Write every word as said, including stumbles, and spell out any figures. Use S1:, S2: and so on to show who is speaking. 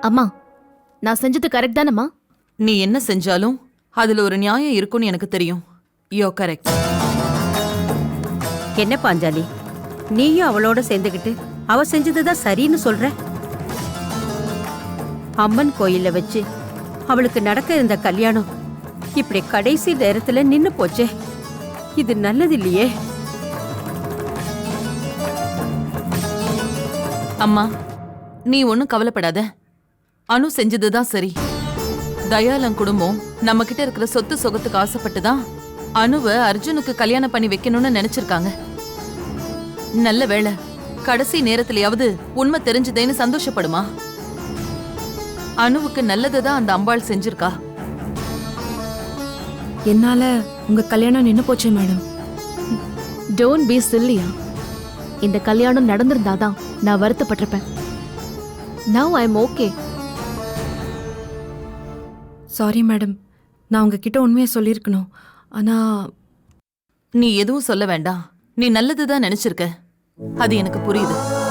S1: அம்மா, நான் செஞ்சது கரெக்ட் தானம்மா?
S2: நீ என்ன செஞ்சாலும் அதுல ஒரு நியாயம் இருக்கும்னு எனக்கு தெரியும். யோ கரெக்ட்.
S3: என்ன பாஞ்சாலி, நீயும் அவளோட சேர்ந்துக்கிட்டு அவ செஞ்சதுதான் சரின்னு சொல்ற? அம்மன் கோயில்ல வச்சு அவளுக்கு நடக்க இருந்த கல்யாணம் இப்படி கடைசி நேரத்துல நின்னு போச்சே, இது நல்லது இல்லையே.
S2: அம்மா, நீ ஒன்னும் கவலைப்படாத. அனு செஞ்சதுதான் சரி. தயாலன் குடும்பம் நம்ம கிட்ட இருக்கிற சொத்து சொகத்துக்கு ஆசைப்பட்டுதான் அனுவை அர்ஜுனுக்கு கல்யாணம் பண்ணி வைக்கணும்னு நினைச்சிருக்காங்க. நல்ல வேளை கடைசி நேரத்திலயாவது உண்மை தெரிஞ்சதேன்னு சந்தோஷப்படுமா? அனுவுக்கு நல்லதுதான் அந்த அம்பாள் செஞ்சிருக்கா.
S4: என்னால உங்க கல்யாணம் நின்னு போச்சு மேடம்.
S1: Don't be சில்லியா. இந்த கல்யாணம் நடந்திருந்தாதான் நான் வருத்தப்பட்டிருப்பேன். Now I am okay.
S4: Sorry madam, நான் உங்ககிட்ட உண்மையை சொல்லியிருக்கணும். ஆனா
S2: நீ எதுவும் சொல்ல வேண்டாம். நீ நல்லதுதான் நினைச்சிருக்க, அது எனக்கு புரியுது.